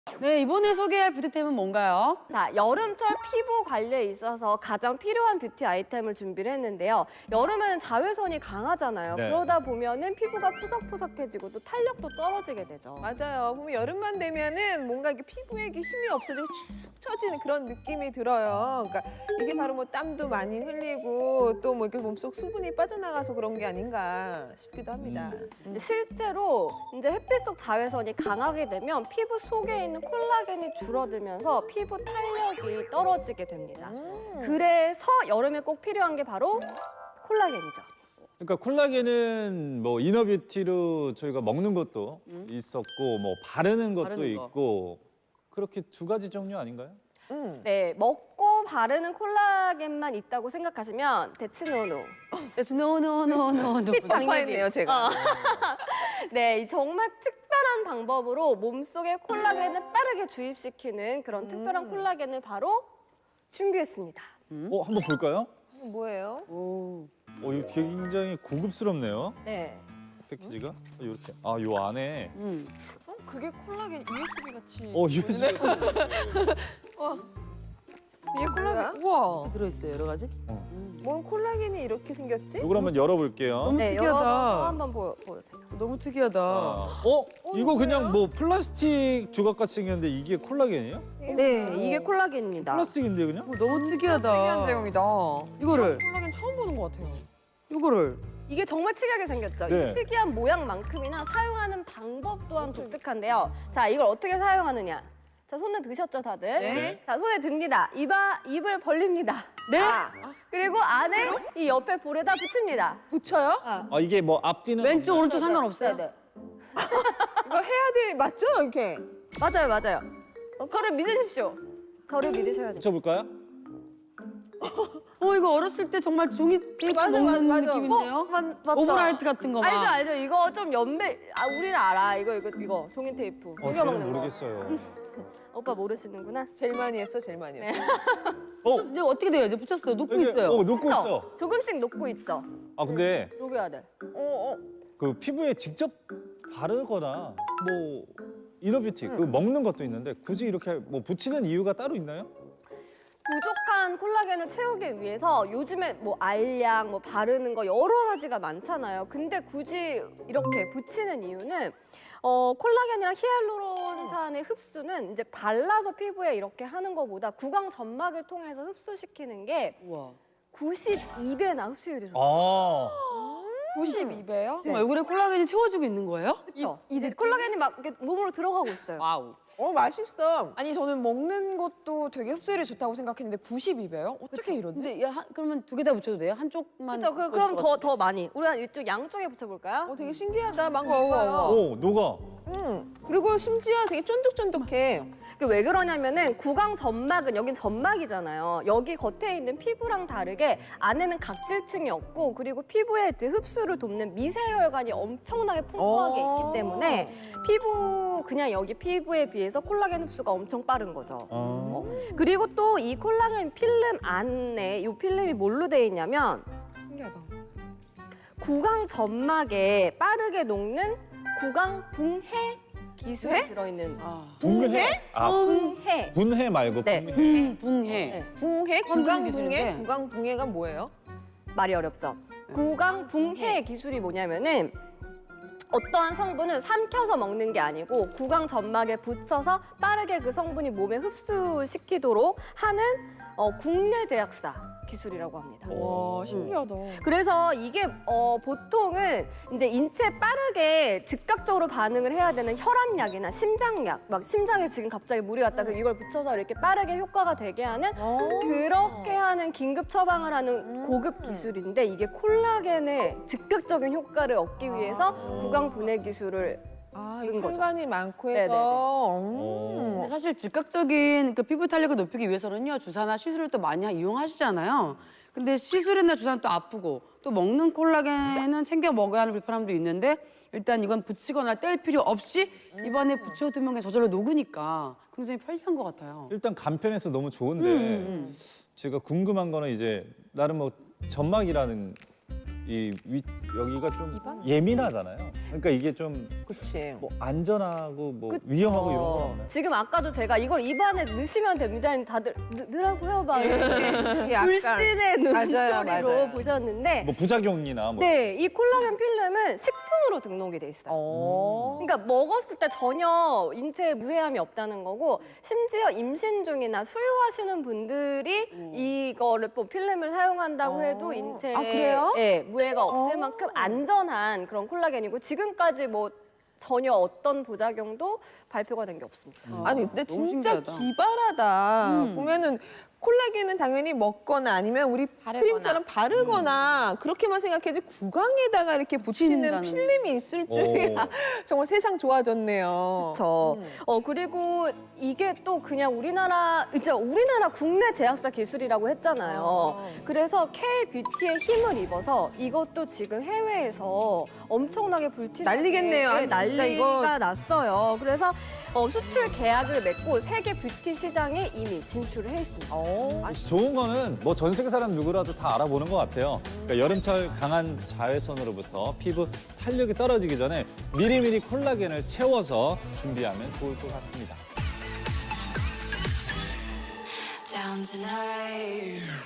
네, 이번에 소개할 뷰티템은 뭔가요? 자, 여름철 피부 관리에 있어서 가장 필요한 뷰티 아이템을 준비를 했는데요. 여름에는 자외선이 강하잖아요. 네. 그러다 보면은 피부가 푸석푸석해지고 또 탄력도 떨어지게 되죠. 맞아요. 보면 여름만 되면은 뭔가 이게 피부에 이렇게 힘이 없어지고 축 처지는 그런 느낌이 들어요. 그러니까 이게 바로 뭐 땀도 많이 흘리고 또 뭐 이렇게 몸속 수분이 빠져나가서 그런 게 아닌가 싶기도 합니다. 근데 실제로 이제 햇빛 속 자외선이 강하게 되면 피부 속에 있는 콜라겐이 줄어들면서 피부 탄력이 떨어지게 됩니다. 그래서 여름에 꼭 필요한 게 바로 콜라겐이죠. 그러니까 콜라겐은 뭐 이너뷰티로 저희가 먹는 것도 있었고 뭐 바르는 것도 바르는 거. 있고 그렇게 두 가지 종류 아닌가요? 네, 먹고 바르는 콜라겐만 있다고 생각하시면 대치노노. 노노노노노. 깜빡했네요, 제가. 네, 이 정말 특별한 방법으로 몸속에 콜라겐을 빠르게 주입시키는 그런 특별한 콜라겐을 바로 준비했습니다. 한번 볼까요? 뭐예요? 오. 이거 굉장히 고급스럽네요. 네. 패키지가 이렇게. 요 안에. 그게 콜라겐 USB 같이. USB. 이게 콜라겐? 우와. 들어있어요, 여러 가지. 뭔 콜라겐이 이렇게 생겼지? 이걸 한번 열어볼게요. 너무 네, 특이하다. 열어서 한번 보여주세요. 너무 특이하다. 이거 그냥 뭐 플라스틱 조각같이 생겼는데 이게 콜라겐이에요? 네, 이게 콜라겐입니다. 플라스틱인데 그냥? 너무 특이하다. 특이한 제형이다. 이거를, 콜라겐 처음 보는 것 같아요. 이거를. 이게 정말 특이하게 생겼죠? 네. 이 특이한 모양만큼이나 사용하는 방법 또한 독특한데요. 자, 이걸 어떻게 사용하느냐? 자, 손에 드셨죠, 다들? 네. 자, 손에 듭니다. 입을 벌립니다. 네? 그리고 안에 이 옆에 볼에다 붙입니다. 붙여요? 이게 뭐 앞뒤는 왼쪽, 오른쪽 네, 상관없어요? 네. 이거 해야 돼, 맞죠? 이렇게. 맞아요, 맞아요. 저를 믿으십시오. 저를 믿으셔야 돼요. 붙여볼까요? 이거 어렸을 때 정말 종이 테이프 맞아, 먹는 맞아. 느낌인데요? 맞다. 오버라이트 같은 거 막. 알죠, 알죠. 이거 좀 우리는 알아. 이거 종이 테이프. 녹여 저는 먹는 거. 모르겠어요. 오빠 모르시는구나. 제일 많이 했어, 제일 많이 했어. 이제 어떻게 돼요? 이제 붙였어요. 놓고 이게- 있어요. 놓고 그쵸? 있어. 조금씩 녹고 있죠. 근데 녹여야 돼. 그 피부에 직접 바르거나 뭐 이너뷰티 그 먹는 것도 있는데 굳이 이렇게 뭐 붙이는 이유가 따로 있나요? 부족한 콜라겐을 채우기 위해서 요즘에 뭐 알약, 뭐 바르는 거 여러 가지가 많잖아요. 근데 굳이 이렇게 붙이는 이유는 콜라겐이랑 히알루론산의 흡수는 이제 발라서 피부에 이렇게 하는 것보다 구강 점막을 통해서 흡수시키는 게 우와. 92배나 흡수율이 좋아요. 아, 92배요? 지금 얼굴에 콜라겐이 채워지고 있는 거예요? 그렇죠? 이제 콜라겐이 막 이렇게 몸으로 들어가고 있어요. 와우. 맛있어. 아니 저는 먹는 것도 되게 흡수율이 좋다고 생각했는데 92배요? 어떻게 이러지? 근데 그러면 두 개 다 붙여도 돼요? 한쪽만? 그렇죠? 그럼 더 많이. 우리가 이쪽 양쪽에 붙여볼까요? 되게 신기하다. 막 우와, 우와, 먹어요. 녹아. 그리고 심지어 되게 쫀득쫀득해. 왜 그러냐면은 구강 점막은 여긴 점막이잖아요. 여기 겉에 있는 피부랑 다르게 안에는 각질층이 없고 그리고 피부에 이제 흡수를 돕는 미세혈관이 엄청나게 풍부하게 있기 때문에 그냥 여기 피부에 비해서 콜라겐 흡수가 엄청 빠른 거죠. 그리고 또 이 콜라겐 필름 안에 이 필름이 뭘로 돼 있냐면 신기하다. 구강 점막에 빠르게 녹는 구강 붕해 기술이 들어있는 분해? 붕해. 분해 말고 네. 분해. 붕해. 네. 붕해? 처음 듣는 구강 기술인데. 붕해? 구강 붕해가 뭐예요? 말이 어렵죠. 구강 붕해 기술이 뭐냐면은 어떠한 성분을 삼켜서 먹는 게 아니고 구강 점막에 붙여서 빠르게 그 성분이 몸에 흡수시키도록 하는 국내 제약사 기술이라고 합니다. 와 신기하다. 그래서 이게 보통은 이제 인체에 빠르게 즉각적으로 반응을 해야 되는 혈압약이나 심장약, 막 심장에 지금 갑자기 물이 왔다 그럼 이걸 붙여서 이렇게 빠르게 효과가 되게 하는 그렇게 하는 긴급 처방을 하는 고급 기술인데 이게 콜라겐의 즉각적인 효과를 얻기 위해서 구강 분해 기술을 이 거죠. 혈관이 많고 네네네. 해서. 근데 사실 즉각적인 그 피부 탄력을 높이기 위해서는요 주사나 시술을 또 많이 이용하시잖아요. 근데 시술이나 주사는 또 아프고 또 먹는 콜라겐은 챙겨 먹어야 하는 불편함도 있는데 일단 이건 붙이거나 뗄 필요 없이 입안에 붙여두면 그냥 저절로 녹으니까 굉장히 편리한 것 같아요. 일단 간편해서 너무 좋은데 제가 궁금한 거는 이제 나름 뭐 점막이라는 여기가 좀 예민하잖아요. 그러니까 이게 좀 그치. 뭐 안전하고 뭐 그쵸. 위험하고 이런 건 없나요? 지금 아까도 제가 이걸 입안에 넣으시면 됩니다. 다들 넣으라고요? 막 이렇게 약간. 불신의 눈초리로 맞아요. 보셨는데 뭐 부작용이나 뭐 네, 이 콜라겐 필름은 식품으로 등록이 돼 있어요. 그러니까 먹었을 때 전혀 인체에 무해함이 없다는 거고 심지어 임신 중이나 수유하시는 분들이 이거를 뭐 필름을 사용한다고 해도 인체에 아, 그래요? 예, 무해가 없을 만큼 안전한 그런 콜라겐이고 지금까지 뭐 전혀 어떤 부작용도 발표가 된 게 없습니다. 아니 근데 너무 진짜 신기하다. 기발하다. 보면은 콜라겐은 당연히 먹거나 아니면 우리 크림처럼 바르거나 그렇게만 생각해야지 구강에다가 이렇게 붙이는 붙인다는. 필름이 있을 줄이야. 정말 세상 좋아졌네요. 그렇죠. 그리고 이게 또 그냥 우리나라 국내 제약사 기술이라고 했잖아요. 그래서 K-뷰티의 힘을 입어서 이것도 지금 해외에서 엄청나게 불티나게 난리겠네요. 아니, 진짜 난리가 이거. 났어요. 그래서 수출 계약을 맺고 세계 뷰티 시장에 이미 진출을 해 있습니다. 좋은 거는 뭐 전 세계 사람 누구라도 다 알아보는 것 같아요. 그러니까 여름철 강한 자외선으로부터 피부 탄력이 떨어지기 전에 미리미리 콜라겐을 채워서 준비하면 좋을 것 같습니다. Down tonight.